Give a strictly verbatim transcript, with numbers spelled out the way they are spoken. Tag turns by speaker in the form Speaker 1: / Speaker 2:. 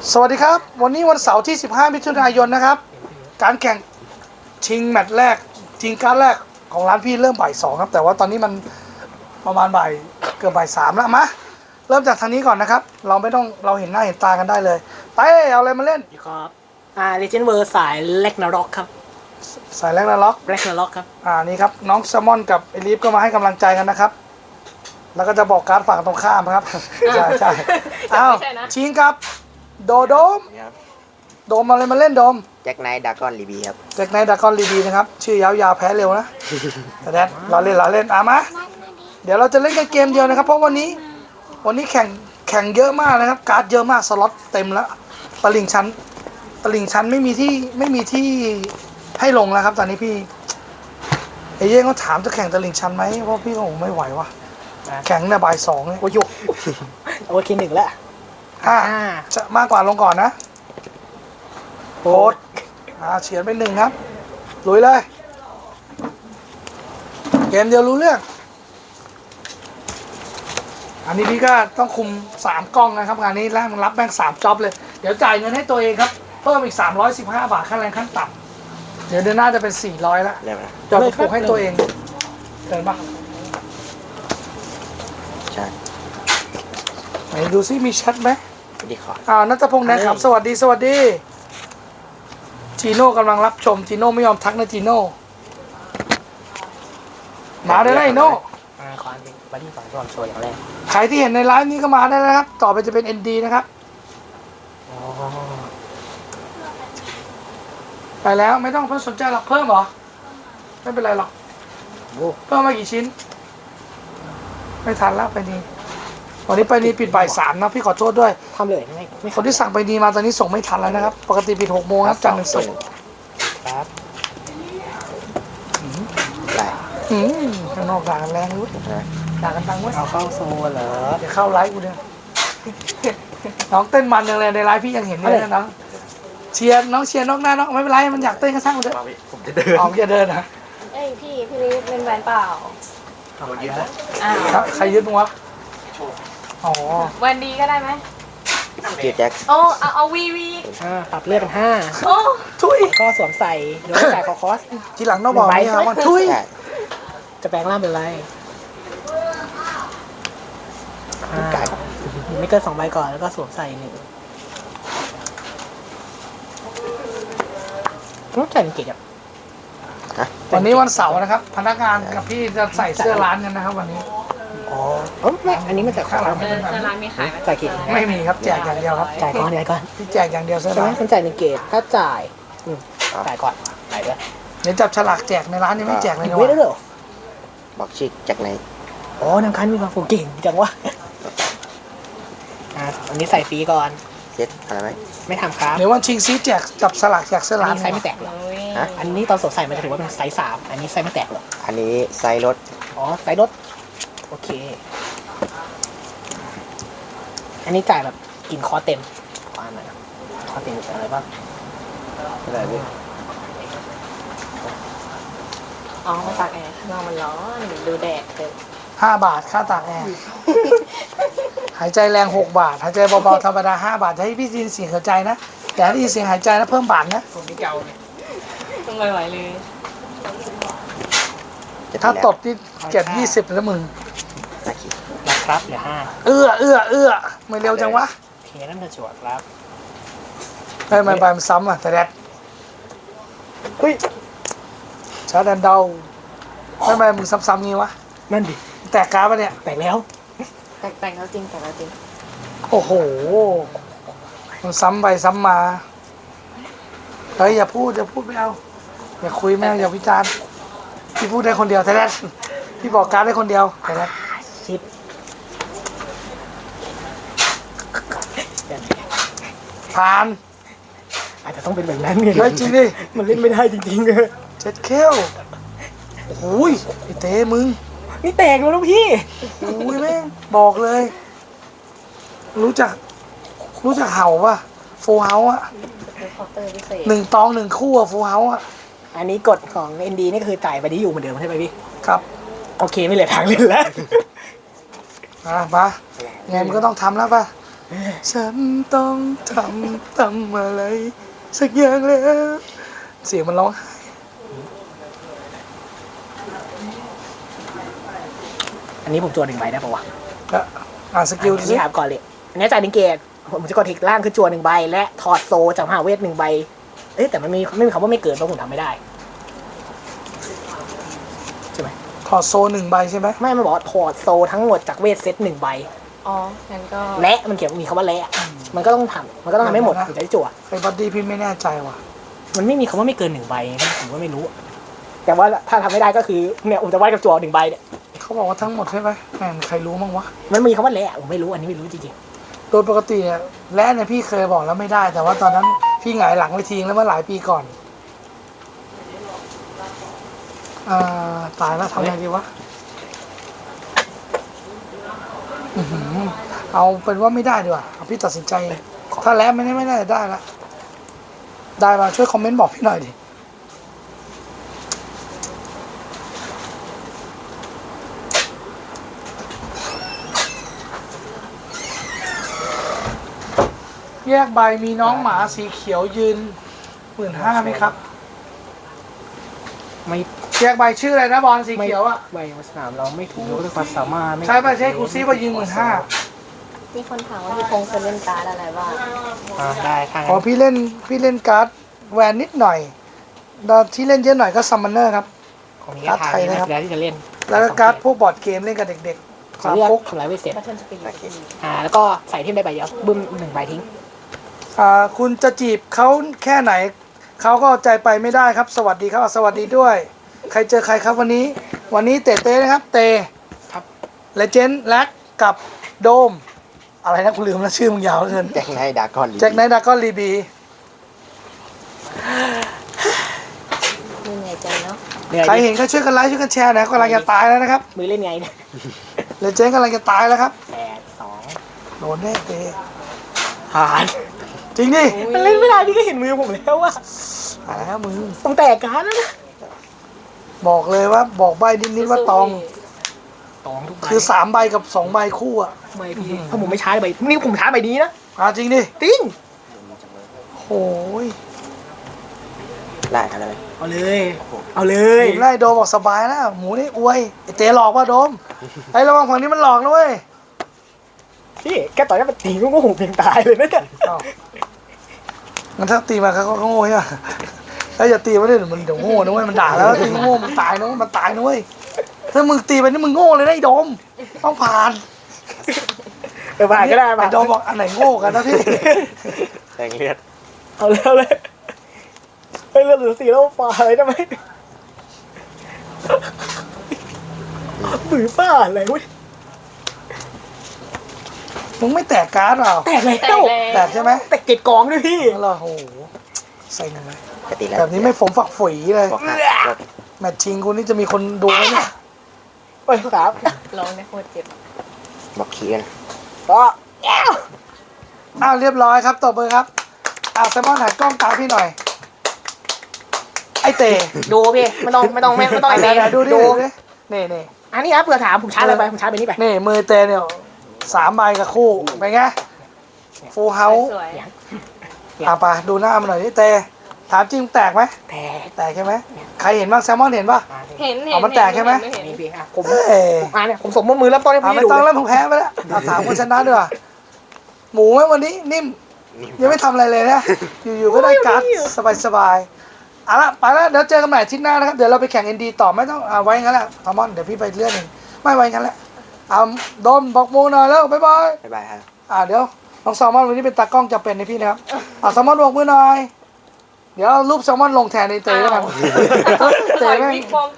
Speaker 1: สวัสดีครับวันนี้วันเสาร์ที่สิบห้ามิถุนายนนะครับการแข่งชิงแมตช์แรกชิงการแรกของร้านพี่เริ่มบ่ายสองครับแต่ว่าตอนนี้มันประมาณบ่ายเกือบบ่ายสามแล้วมาเริ่มจากทางนี้ก่อนนะครับเราไม่ต้องเราเห็นหน้าเห็นตากันได้เลยไปเอาอะไรมาเล่น
Speaker 2: ครับอ่า Legend World สายเล็กนาร็อกครับ
Speaker 1: สายแรกนะล็อก
Speaker 2: เล็กนาร็อกครับ
Speaker 1: อ่านี่ครับน้องแซมมอนกับเอลิฟก็มาให้กำลังใจกันนะครับแล้วก็จะบอกการ์ดฝั่งตรงข้ามครับใช่ใช่อ้าวชิงครับโดโดมโดมอะไรมาเล่นโดม
Speaker 3: แจ็คไนท์ดากอนรีบีครับ
Speaker 1: แจ็คไนท์ดากอนรีบีนะครับชื่อยาวๆแพ้เร็วนะแต่แดนเราเล่นเราเล่นอ่ะมาเดี๋ยวเราจะเล่นกันเกมเดียวนะครับเพราะวันนี้วันนี้แข่งแข่งเยอะมากนะครับการ์ดเยอะมากสล็อตเต็มแล้วตลิ่งชั้นตลิ่งชั้นไม่มีที่ไม่มีที่ให้ลงแล้วครับตอนนี้พี่ไอ้เย่งเขาถามจะแข่งตลิ่งชั้นไหมเพราะพี่ก็คงไม่ไหววะแข่งในบ่ายสองเนี่ย
Speaker 2: โอ้ยโอเคหนึ่งแล้ว
Speaker 1: ห้าจะมากกว่าลงก่อนนะโค้ดอ่าเฉียนไปหนึ่งครับลุยเลยเกมเดียวรู้เรื่องอันนี้พี่ก็ต้องคุมสามกล้องนะครับงานนี้แล้วมันรับแบงค์สามจ็อบเลยเดี๋ยวจ่ายเงินให้ตัวเองครับเพิ่มอีกสามร้อยสิบห้าบาทค่าแรงขั้นต่ำเดี๋ยวเดือนหน้าจะเป็นสี่ร้อยแล้วจะไปผูกให้ตัวเองเกินปะ
Speaker 3: ใช่
Speaker 1: ไหนดูซิมีแชทไหม
Speaker 3: ดีขอ
Speaker 1: อ่านัทพงษ์แดงขำสวัสดีสวัสดีจีโน่กำลังรับชมจีโน่ไม่ยอมทักนะจีโน่มาได้เลยโน่
Speaker 2: อ่าขออันนี้บัดดี้ฝั่งรวมโชว์อย่างแรก
Speaker 1: ใครที่เห็นในไลฟ์นี้ก็มาได้นะครับต่อไปจะเป็น เอ็น ดี นะครับไปแล้วไม่ต้องเพิ่มสนใจหรอกเพิ่มเหรอไม่เป็นไรหรอกเพิ่มมากี่ชิ้นไม่ทันแล้วไปนี่วันนี้ไปนี่ปิดบ่ายสามนะพี่ขอโทษด้วย
Speaker 2: ทำเลยไม่ไม่
Speaker 1: คนที่สั่งไปนี่มาตอนนี้ส่งไม่ทันแล้วนะครับปกติปิดหกโมงครับจันทร์ถึงศุกร์
Speaker 2: ครับ
Speaker 3: ได้
Speaker 1: อืมข้างนอกด่ากันแรงรู้ด่ากันตังเว้ย
Speaker 2: เอาเข้าโซนเหรอ
Speaker 1: เดี๋ยวเข้าไลฟ์กูเนี่ยน้องเต้นมันยังเลยในไลฟ์พี่ยังเห็นเลยนะน้องเชียร์น้องเชียร์นอกหน้าน้องไม่เป็นไรมันอยากเต้นก็ช่างมันเถอะ
Speaker 3: ผมจะเดิน
Speaker 1: อ๋อจะเดินนะ
Speaker 4: เอ้ยพี่พี่ลิฟเป็นแฟนเปล่า
Speaker 1: อ้าวใครยึดมึงวะอ๋อ
Speaker 4: วันดีก็ได้ไหม
Speaker 3: ชื่อแจ็ค
Speaker 4: โอ้เอาเอาวีวี
Speaker 2: อ่าปรับเลือดเป็นห้า
Speaker 4: โอ้
Speaker 1: ทุย
Speaker 2: ก็สวมใส่โดยจ่ายคอคอส
Speaker 1: ทีหลังน้องบอกนี่ครับว่าทุย
Speaker 2: จะแปลงร่างเป็นไรอ่าไม่เกินสองใบก่อนแล้วก็สวมใส่หนึ่งรู้จักเก่งอ่ะ
Speaker 1: วันนี้วันเสาร์นะครับพนักงานกับพี่จะใส่เสื้อร้านกันนะครับวันนี้
Speaker 2: อ๋อไม่อันนี้มันจากข้างหลัง
Speaker 4: เออเซอร์ร้านมีขายไหม
Speaker 2: จ่ายกี่
Speaker 1: ไม่มีครับแจกอย่างเดียวครับ
Speaker 2: จ่ายก่อนเดี๋ยวก่อน
Speaker 1: พี่แจกอย่างเดียวเสื้อ
Speaker 2: ใช่ไหม
Speaker 1: ร้าน
Speaker 2: คุณจ่ายหนึ่งเกตถ้าจ่ายจ่ายก่อนจ่ายด้วย
Speaker 1: เดี๋ยวจับฉลากแจกในร้านนี่ไม่แจกเลยนะ
Speaker 2: ไม่ได้เหรอ
Speaker 3: บอกชื่อแจ็คไนท์
Speaker 2: อ๋อน้ำคันมีความผูกเก่งจังวะอ่าอันนี้ใส่ฟรีก่อน
Speaker 3: เซ็ตอะไรไหม
Speaker 2: ไม่ทำครับ
Speaker 1: เดี๋ยววันชิงซีแจกจับฉลากแจกเสื้อร้าน
Speaker 2: ไซส์ไม่แตกหรออันนี้ตอนสดใส่มันจะถือว่าเป็นไซส์สามอันนี้ไซส์ไม่แตกหรอ
Speaker 3: อันนี้ไซส์รถ
Speaker 2: อ๋อไซส์รถโอเคอันนี้จ่ายแบบกินคอเต็มคออะไรคอเต็มอะไรบ้าง
Speaker 3: อะไรพี่
Speaker 4: อ๋อมาตากแอร์ข้างนอกมันร้อนดูแดดเลย
Speaker 1: ห้าบาทค่าตากแอร์หายใจแรงหกบาทหายใจเบาๆธรรมดาห้าบาทให้พี่ยินเสียงหายใจนะแต่ถ้ายินเสียงหายใจนะเพิ่มบาทนะ
Speaker 2: ผมไม่เก่าเนี่ย
Speaker 4: ต้องไม่ไหวเลย
Speaker 1: ถ้าตบที่เจ็ดยี่สิบแล้วมึง
Speaker 2: นะครับเหลือห้า
Speaker 1: เอื้อเอื้อเอื้อไม่เร็วจังวะ
Speaker 2: โอเคนั่นจะจวดครับ
Speaker 1: ไม่ไม่ไปมันซ้ำอ่ะแต่แดดเฮ้ยชาดันเดาไม่ไม่มึงซ้ำๆงี้วะ
Speaker 2: นั่นดิ
Speaker 1: แตกกราฟปะเนี่ย
Speaker 2: แตกแล้ว
Speaker 4: แต่แต่งแล้วจริงแต่งแล้วจริง
Speaker 1: โอ้โหมันซ้ำไปซ้ำมาเฮ้ยอย่าพูดอย่าพูดไม่เอาอย่าคุยไม่เอาอย่าวิจารณ์พี่พูดได้คนเดียวแต่แดดพี่บอกการได้คนเดียวแต่แดด
Speaker 2: ชิป
Speaker 1: ผ่าน
Speaker 2: อาจจะต้องเป็นแบบนั้นไง
Speaker 1: เฮ้ยจริงดิ
Speaker 2: มันเล่นไม่ได้จริงๆเลย
Speaker 1: เจ็ดเคลโอ้ยไอเต้มึง
Speaker 2: นี่แตกแล้วลูกพี่
Speaker 1: โอ้ยแม่งบอกเลยรู้จักรู้จักเห่าป่ะโฟเฮาอะหนึ่งตองหนึ่งคู่อะโฟเฮาอะ
Speaker 2: อันนี้กฎของ เอ็น ดี นี่คือจ่ายไปที่อยู่เหมือนเดิมใช่ไหมพี่
Speaker 1: ครับ
Speaker 2: โอเคไม่เหลือทางเล่นแล้ว
Speaker 1: มาปะไงมันก็ต้องทำแล้วป่ะฉันต้องทำทำอะไรสักอย่างแล้วเสียงมันร้องไห้
Speaker 2: อันนี้ผมจวนหนึ่งใบได้ปะวะ
Speaker 1: แล้วอ่านสกิลดู
Speaker 2: อัน
Speaker 1: สิ
Speaker 2: นี้ถามก่อนเลยอันนี้จ่ายหนึ่งเกตผมจะกดทิกล่างคือจวนหนึ่งใบและถอดโซจากมหาเวทหนึ่งใบเอ้ยแต่มันมีไม่มีคำว่าไม่เกินเพราะผมทำไม่ได้ใช่ไหม
Speaker 1: ถอดโซหนึ่งใบใช่ไหม
Speaker 2: ไม่มันบอกว่าถอดโซทั้งหมดจากเวทเซตหนึ่งใบ
Speaker 4: อ๋องั้นก็
Speaker 2: และมันเขียนมีคำว่าและอะมันก็ต้องทำมันก็ต้องทำให้หมดถึงจะได้จั่ว
Speaker 1: ไอ้บัดดี้พี่ไม่แน่ใจว่ะ
Speaker 2: มันไม่มีคำว่าไม่เกินหนึ่งใบนะผมก็ไม่รู้อะแต่ว่าถ้าทำไม่ได้ก็คือเนี่ยผมจะวาดกับจั่วหนึ่งใบเนี่ย
Speaker 1: เขาบอกว่าทั้งหมดใช่ไหมแม่งใครรู้มั้งวะ
Speaker 2: มันมีคำว่าและผมไม่รู้อันนี้ไม่รู้จริง
Speaker 1: โดยปกติเนี่ยและเนี่ยพี่เคยบอกแล้วไม่ได้ แต่ว่าตอนนั้นพี่หงายหลังไปทิ้งแล้วเมื่อหลายปีก่อนอ่าตายแล้วทำไงดีวะอื้อหือเอาเป็นว่าไม่ได้ดีกว่าเอาพี่ตัดสินใจเองถ้าแล้วไม่ได้ไม่ได้ได้ละได้มาช่วยคอมเมนต์บอกพี่หน่อยดิแยกใบมีน้องหมาสีเขียวยืนหมื่นห้าไหมครับ
Speaker 2: ๆไม่
Speaker 1: แยกใบชื่ออะไรนะบอลสี
Speaker 2: ไม่
Speaker 1: เขียวอ่ะ
Speaker 2: ใบสนามเราไม่ถูกยกด้วยความสามารถไม่
Speaker 1: ใช่ป่ะใช่ครูซี่ว่ายืนหมื่นห้า
Speaker 4: มีคนถามว่าพี่พงษ์เคยเล่นการ์ดอะไรบ้าง
Speaker 2: อ่าได้ค่ะ
Speaker 1: อ๋อพี่เล่นพี่เล่นการ์ดแวนนิดหน่อยแล้วที่เล่นเยอะหน่อยก็ซัมมอนเนอร์ครับ
Speaker 2: ของนี้ก็ทางนี้นะที่จะเล่น
Speaker 1: แล้วก็การ์ดพวกบอร์ดเกมเล่นกับเด็กๆ
Speaker 2: ขอ
Speaker 1: สาม
Speaker 2: เลือก
Speaker 1: ปุ๊ก
Speaker 2: ทำลายเวทเสร็จ
Speaker 4: บัตเทิลสปีด
Speaker 2: อ่าแล้วก็ใส่เทมได้ใบเดียวบึ้มหนึ่งใบทิ้ง
Speaker 1: อ่าคุณจะจีบเขาแค่ไหนเขาก็เอาใจไปไม่ได้ครับ สวัสดีครับสวัสดีด้วย ใครเจอใครครับวันนี้ วันนี้เตเต้นะครับ เต
Speaker 2: ครับ
Speaker 1: เลเจนด์แลกกับโดม อะไรนะคุณลืมแล้วชื่อมึงยาวเหลือเกิน
Speaker 3: แจ็คไนท์ดากอน
Speaker 1: แจ็คไนท์ดากอนลีบี
Speaker 4: มีเหนื่อยใจเนาะ
Speaker 2: เหนื่อย
Speaker 1: ใคร
Speaker 2: ดิ
Speaker 1: เห็นก็ช่วยกันไลค์ช่วยกันแชร์นะกำลังจะตายแล้วนะครับ
Speaker 2: มือเล่นไงเนี่ย
Speaker 1: เลเจนด์กำลังจะตายแล้วครับ
Speaker 2: แปดสอง
Speaker 1: โดนแน่เต
Speaker 2: ผ่าน
Speaker 1: จริงดิ
Speaker 2: มันเล่นไม่ได้พี่ก็เห็นมือผมแล้วว่า
Speaker 1: ตายแล้วมึง
Speaker 2: ต้องแตกการแล้วนะ
Speaker 1: บอกเลยว่าบอกใบนิดๆว่าตอง
Speaker 2: ตองทุกใบ
Speaker 1: คือสามใบกับสองใบคู่อ่ะ
Speaker 2: ไม่พี่ถ้าผมไม่ช้าใบนี่ผมช้าใบนี้นะ
Speaker 1: อ่าจริงดิ
Speaker 2: จริง
Speaker 1: โอ้ย
Speaker 3: ไล่ทำอะไรไหม
Speaker 2: เอาเลย เอาเลย
Speaker 1: หญิงไล่โดมบอกสบายแล้วหมูนี่อวยไอเตหลอกว่าโดมไอระวังฝั่งนี้มันหลอกนะเว้ย
Speaker 2: พี่แกต่อยให้มันตีก็หูเพียงตายเลยนะเนี่ย
Speaker 1: อ้าวงั้นถ้าตีมาเขาก็โง่ใช่ไหมถ้าอย่าตีมาเลยเดี๋ยวมันเดี๋ยวโง่นะเว้ยมันด่าแล้วตีโง่มันตายนะเว้ยมันตายนะเว้ยถ้ามึงตีไปนี่มึงโง่เลยนะไอ้โดมต้องผ่าน
Speaker 2: เออผ่านก็ได้
Speaker 1: ไอ้
Speaker 2: ผ่าน
Speaker 1: โดมบอกอันไหนโง่กันนะพี่
Speaker 3: แดงเลือด
Speaker 2: เอาเลยเอาเลยเฮ้ยเลือดเหลือสี่แล้วฝ่าอะไรทำไมมือป้าอะไรเว้ย
Speaker 1: มึงไม่แตกการ์ดเปล่า
Speaker 2: แตกแล้ว
Speaker 4: แตกแล้ว
Speaker 1: แตกใช่ไหม
Speaker 2: แตกเกล็ดกองด้วยพี่
Speaker 1: แล้วเราโอ้โหใส่หนึ่งเลย
Speaker 3: ปกติแล้ว
Speaker 1: แบบนี้ไม่ฝมฝักฝุยเลย
Speaker 3: บอกหักรถ
Speaker 1: แมตช์ชิงคุณนี่จะมีคนดูไหมเนี่ย
Speaker 2: ไปครับ
Speaker 4: ร้องได้โคตรเจ็บ
Speaker 3: บอกขี่กัน
Speaker 2: ก็แอ้ว
Speaker 1: อ้าวเรียบร้อยครับตบมือครับอ้าวแซมมอนถ่ายกล้องตามพี่หน่อย ไอเต๋
Speaker 2: ดูพี่ไม่ต้องไม่ต้องไม่ไม่ต้อง
Speaker 1: ไห
Speaker 2: ไอ้
Speaker 1: น
Speaker 2: เมย์
Speaker 1: ๆดูดิ
Speaker 2: ดู
Speaker 1: ดูดินี่นี่
Speaker 2: อันนี้ครับเผื่อถามผมช้าเลยไปผมช้าไปนี่ไป
Speaker 1: นี่มือเตเนี่ยสามใบกับคู่เป็นไงฟูลเฮาส์
Speaker 4: สวย
Speaker 1: อ่ะไปดูหน้ามันหน่อยดิเตถามจริงแตกไหม
Speaker 2: แตก
Speaker 1: แตกใช่ไหมใครเห็นบ้างแซมมอนเห็นป่ะ
Speaker 2: อ่า
Speaker 4: เห็นเห็น
Speaker 1: เอามันแตกใช่ไหม
Speaker 4: เห็น
Speaker 2: นี่พี่อ่ะผม
Speaker 1: เอ้ย
Speaker 2: อ่าเนี่ยผมสมมติมือเริ่มต้นให้
Speaker 1: อ่ะ
Speaker 2: พี่
Speaker 1: ไม่
Speaker 2: ดู
Speaker 1: ต้อง
Speaker 2: เล
Speaker 1: แล้
Speaker 2: ยว
Speaker 1: ผมแพ้ไปแล้วอ่ะถามคนชนะดีกว่าหมูไหมวันนี้นิ่มยังไม่ทำอะไรเลยนะอยู่ๆก็ได้การ์ดสบายๆเอาละไปแล้วเดี๋ยวเจอกันใหม่อาทิตย์หน้านะครับเดี๋ยวเราไปแข่งเอ็นดีต่อไม่ต้องเอาไว้งั้นแหละทามอนเดี๋ยวพี่ไปเลื่อนเองไม่ไว้งั้นแหละเอาโดมบอกหมูหน่อยแล้วบ๊ายบาย
Speaker 3: บ๊ายบายครับ
Speaker 1: อ่าเดี๋ยวน้องแซลมอนวันนี้เป็นตากล้องจำเป็นในพี่นะครับอ่าแซลมอนบอกมือหน่อย เดี๋ยวเอารูปแซลมอนลงแทนในเตยแล้วกัน
Speaker 4: ใส่
Speaker 1: เตยแม่ง
Speaker 4: วิกปลอม